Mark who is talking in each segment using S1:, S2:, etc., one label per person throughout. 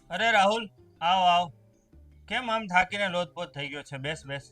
S1: અરે રાહુલ, આવ આવ. કેમ આમ થાકીને લોથપોથ થઈ ગયો છે? બેસ બેસ.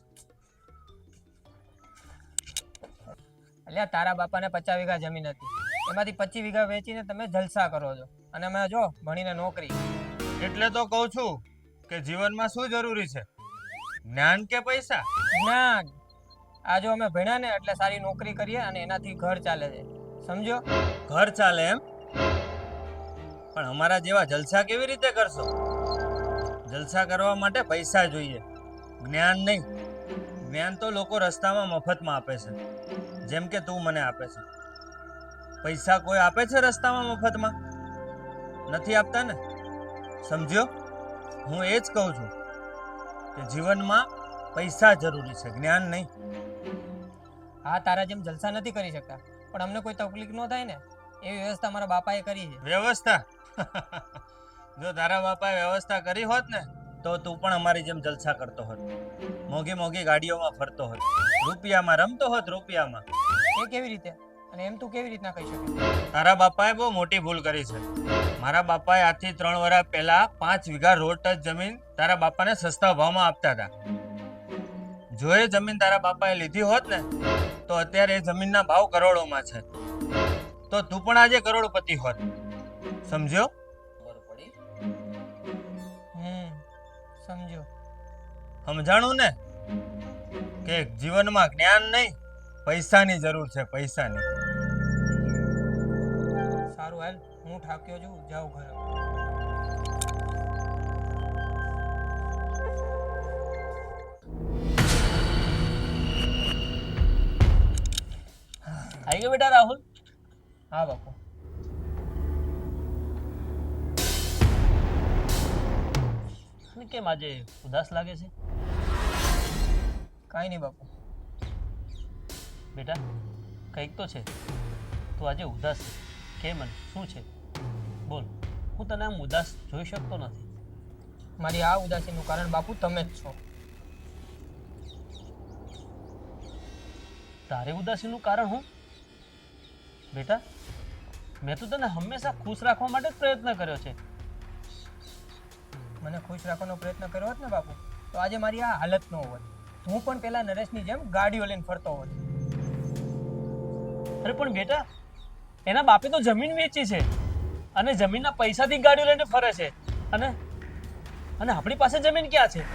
S2: એટલે તારા બાપાને 50 વીઘા જમીન હતી, એમાંથી 25 વીઘા વેચીને તમે જલસા કરો છો અને અમે જો ભણીને નોકરી.
S1: એટલે તો કહું છું કે જીવનમાં શું જરૂરી છે, જ્ઞાન કે પૈસા?
S2: જ્ઞાન. આ જો અમે ભણ્યા ને એટલે સારી નોકરી કરીએ અને એનાથી ઘર ચાલે છે, સમજો?
S1: ઘર ચાલે એમ? પણ અમારા જેવા જલસા કેવી રીતે કરશો? જલસા કરવા માટે પૈસા જોઈએ, જ્ઞાન નહીં. જ્ઞાન તો લોકો રસ્તામાં મફતમાં આપે છે, જેમ કે તું મને આપે છે. પૈસા કોઈ આપે છે રસ્તામાં મફતમાં? નથી આપતા ને. સમજ્યો? હું એ જ કહું છું કે જીવનમાં પૈસા જરૂરી છે, જ્ઞાન નહીં.
S2: હા, તારા જેમ જલસા નથી કરી શકતા, પણ અમને કોઈ તકલીફ ન થાય ને એવી વ્યવસ્થા મારા બાપાએ કરી છે.
S1: વ્યવસ્થા? જો તારા બાપાએ વ્યવસ્થા કરી હોત ને તો તું પણ અમારી જેમ જલસા કરતો હોત, મોંઘી મોંઘી ગાડીઓમાં ફરતો હોત, રૂપિયામાં રમતો હોત, રૂપિયામાં.
S2: એ કેવી રીતે? અને એમ તું કેવી રીતના કહી શકે?
S1: તારા બાપાએ બહુ મોટી ભૂલ કરી છે. મારા બાપાએ આજથી 3 વર્ષ પહેલા 5 વીઘા રોડ ટચ જમીન તારા બાપાને સસ્તા ભાવમાં આપતા હતા. જો એ જમીન તારા બાપાએ લીધી હોત ને તો અત્યારે એ જમીનના ભાવ કરોડોમાં છે, તો તું પણ આજે કરોડપતિ હોત. સમજ્યો?
S2: સમજો.
S1: સમજાણું ને કે જીવનમાં જ્ઞાન નહીં, પૈસાની જરૂર છે, પૈસાની.
S2: સારું હાલ, હું થાક્યો છું, જાઉં ઘરે.
S3: આવી ગયો બેટા રાહુલ?
S2: હા બાપુ.
S3: અને કેમ આજે ઉદાસ લાગે છે?
S2: કાંઈ નહીં બાપુ.
S3: બેટા કંઈક તો છે, તું આજે ઉદાસ છે. કેમ મને શું છે? બોલ, હું તને આમ ઉદાસ જોઈ શકતો નથી.
S2: મારી આ ઉદાસીનું કારણ બાપુ તમે જ છો.
S3: તારી ઉદાસીનું કારણ હું? બેટા મેં તો તને હંમેશા ખુશ રાખવા માટે જ પ્રયત્ન કર્યો છે.
S2: મને ખુશ રાખવાનો પ્રયત્ન કર્યો હોત ને બાપુ તો આજે મારી આ હાલત ન હોત. હું પણ પેલા નરેશની જેમ ગાડીઓ લઈને ફરતો હોત.
S3: અરે પણ બેટા એના બાપે તો જમીન વેચી છે અને જમીનના પૈસાથી ગાડીઓ લઈને ફરે છે, અને અને આપણી પાસે જમીન ક્યાં છે?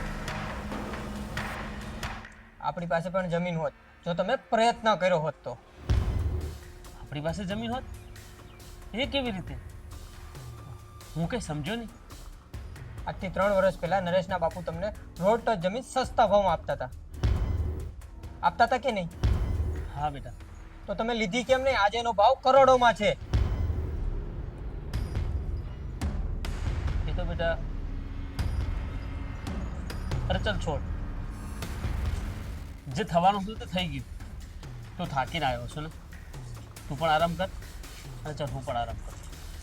S2: આપણી પાસે પણ જમીન હોત જો તમે પ્રયત્ન કર્યો હોત તો.
S3: આપણી પાસે જમીન હોત? એ કેવી રીતે? હું કઈ સમજ્યો નહીં.
S2: આજથી 3 વર્ષ પહેલા નરેશના બાપુ તમને રોડ ટચ જમીન સસ્તા ભાવમાં આપતા હતા કે નહીં?
S3: હા બેટા.
S2: તો તમે લીધી કેમ નહીં? આજે એનો ભાવ કરોડોમાં છે.
S3: એ તો બેટા, અરે ચાલ છોડ, જે થવાનું હતું તે થઈ ગયું. તું થાકીને આવ્યો છો ને, તું પણ આરામ કર અને ચાલ હું પણ આરામ કરું.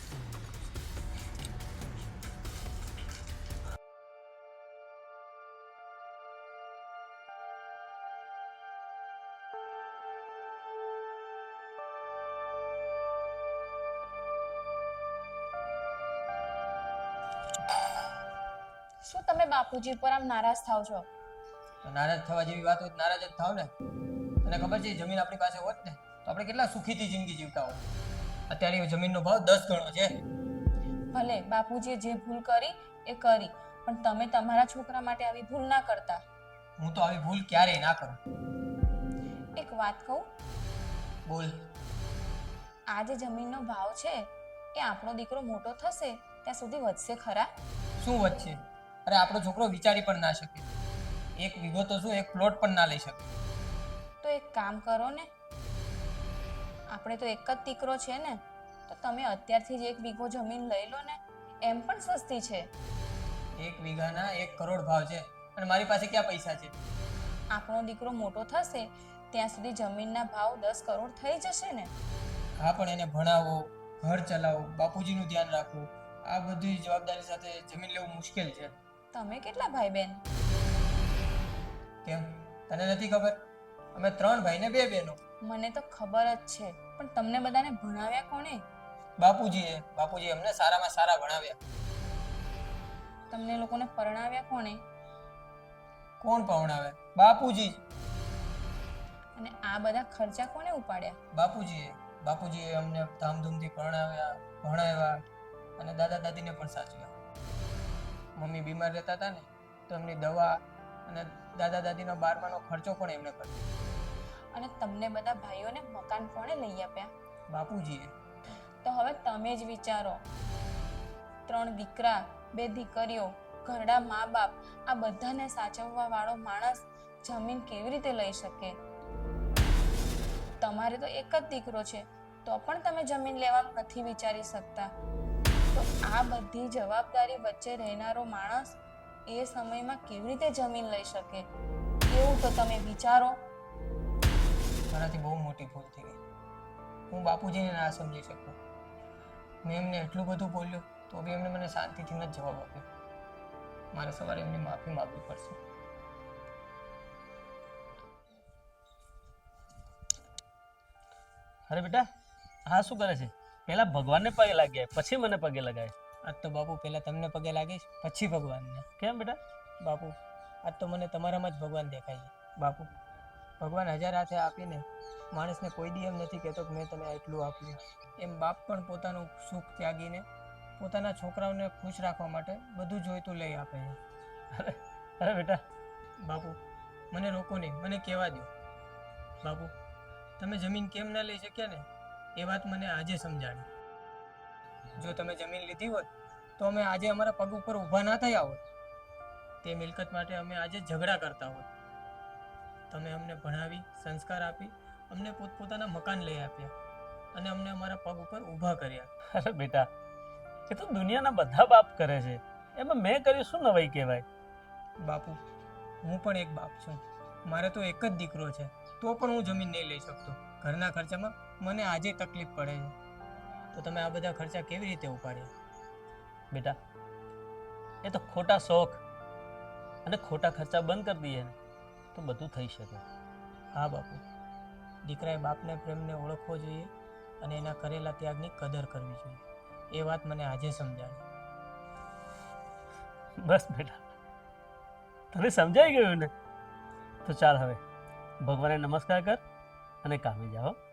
S4: શું તમે બાપુજી પર આમ નારાજ થાવ છો?
S2: તો નારાજ થવા જેવી વાત હોય તો નારાજ જ થાવ ને. તને ખબર છે જમીન આપણી પાસે હોત ને તો આપણે કેટલા સુખીથી જિંદગી જીવતા હોત. અત્યારે એ જમીનનો ભાવ 10 ગણો છે.
S4: ભલે બાપુજીએ જે ભૂલ કરી એ કરી, પણ તમે તમારા છોકરા માટે આવી ભૂલ ના કરતા.
S2: હું તો આવી ભૂલ ક્યારેય ના કરું.
S4: એક વાત કહું?
S2: બોલ.
S4: આ જે જમીનનો ભાવ છે એ આપણો દીકરો મોટો થશે ત્યાં સુધી વધશે ખરા?
S2: શું વચ્ચે? અરે આપણો છોકરો વિચારી પણ ના શકે. 1 વીઘો તો શું, 1 પ્લોટ પણ ના લઈ શકે.
S4: તો એક કામ કરો ને, આપણે તો એક જ દીકરો છે ને, તો તમે અત્યારથી જ 1 વીઘો જમીન લઈ લો ને, એમ પણ સસ્તી છે.
S2: 1 વીઘાના 1 કરોડ ભાવ છે અને મારી પાસે ક્યાં પૈસા છે?
S4: આપણો દીકરો મોટો થશે ત્યાં સુધી જમીનના ભાવ 10 કરોડ થઈ જશે ને.
S2: હા, પણ એને ભણાવો, ઘર ચલાવો, બાપુજીનું ધ્યાન રાખવું, આ બધી જવાબદારી સાથે જમીન લેવું મુશ્કેલ છે.
S4: તમે કેટલા ભાઈ બહેન?
S2: કેમ, તને નથી ખબર? અમે 3 ભાઈ ને 2 બહેનો.
S4: મને તો ખબર જ છે, પણ તમને બધાને ભણાવ્યા કોણે?
S2: બાપુજીએ અમને સારામાં સારા ભણાવ્યા.
S4: તમને લોકોને પરણાવ્યા કોણે?
S2: કોણ પવણાવે? બાપુજી જ.
S4: અને આ બધા ખર્ચા કોણે ઉપાડ્યા?
S2: બાપુજીએ અમને ધામધૂમથી પરણાવ્યા, ભણાવ્યા અને દાદા દાદીને પણ સાચવ્યા. મમ્મી બીમાર રહેતા હતા ને, તો એમની દવા અને દાદા દાદીનો 12માનો ખર્ચો પણ એમને કર્યો.
S4: અને તમને બધા ભાઈઓને મકાન કોણે લઈ આપ્યા?
S2: બાપુજીએ.
S4: તો હવે તમે જ વિચારો, 3 દીકરા 2 દીકરીઓ, ઘરડા મા બાપ, આ બધાને સાચવવા વાળો માણસ જમીન કેવી રીતે લઈ શકે? તમારે તો એક જ દીકરો છે, તો પણ તમે જમીન લેવા નથી વિચારી શકતા. તો આ બધી જવાબદારી વચ્ચે રહેનારો માણસ એ સમયમાં કેવી રીતે જમીન લઈ શકે? એવું તો તમે વિચારો.
S2: મારાથી બહુ મોટી ભૂલ થઈ ગઈ. હું બાપુજીને ના સમજી શકતો. મેં એમને એટલું બધું બોલ્યું તો બી એમને મને શાંતિથી ન જવાબ આપ્યો. મારે સવારે એમની માફી માંગવી પડશે.
S3: અરે બેટા, હા શું કરે છે? પહેલા ભગવાનને પગે લાગ્યા, પછી મને પગે લગાય.
S2: આજ તો બાપુ પહેલા તમને પગે લાગીશ, પછી ભગવાનને.
S3: કેમ બેટા?
S2: બાપુ, આજ તો મને તમારામાં જ ભગવાન દેખાય છે. બાપુ, ભગવાન 1000 હાથે આપીને માણસને કોઈ દી એમ નથી કહેતો કે મેં તને આટલું આપ્યું. એમ બાપ પણ પોતાનું સુખ ત્યાગીને પોતાના છોકરાઓને ખુશ રાખવા માટે બધું જોઈતું લઈ આપે છે.
S3: અરે બેટા,
S2: બાપુ, મને રોકો નહીં, મને કહેવા દો. બાપુ, તમે જમીન કેમ ના લઈ શક્યા ને એ વાત મને આજે સમજાણી. જો તમે જમીન લીધી હોત તો અમે આજે અમારા પગ ઉપર ઊભા ના થયા હોત. તે મિલકત માટે અમે આજે ઝઘડા કરતા હોત. તમે અમને ભણાવી, સંસ્કાર આપી, અમને પોતપોતાના મકાન લઈ આપ્યા અને અમને અમારા પગ ઉપર ઊભા કર્યા.
S3: અરે બેટા, એ તો દુનિયાના બધા બાપ કરે છે, એમાં મેં કર્યું શું નવાઈ કહેવાય?
S2: બાપુ, હું પણ એક બાપ છું. મારે તો એક જ દીકરો છે, તો પણ હું જમીન નહીં લઈ શકતો. ઘરના ખર્ચામાં મને આજે તકલીફ પડે છે. તો તમે આ બધા ખર્ચા કેવી રીતે ઉપાડ્યા?
S3: બેટા, એ તો ખોટા શોખ અને ખોટા ખર્ચા બંધ કરી દઈએ ને તો બધું થઈ શકે.
S2: હા બાપુ, દીકરાએ બાપને પ્રેમને ઓળખવો જોઈએ અને એના કરેલા ત્યાગની કદર કરવી જોઈએ. એ વાત મને આજે સમજાણી.
S3: બસ બેટા, તને સમજાઈ ગયું ને? તો ચાલ હવે ભગવાનને નમસ્કાર કર અને કામે જાઓ.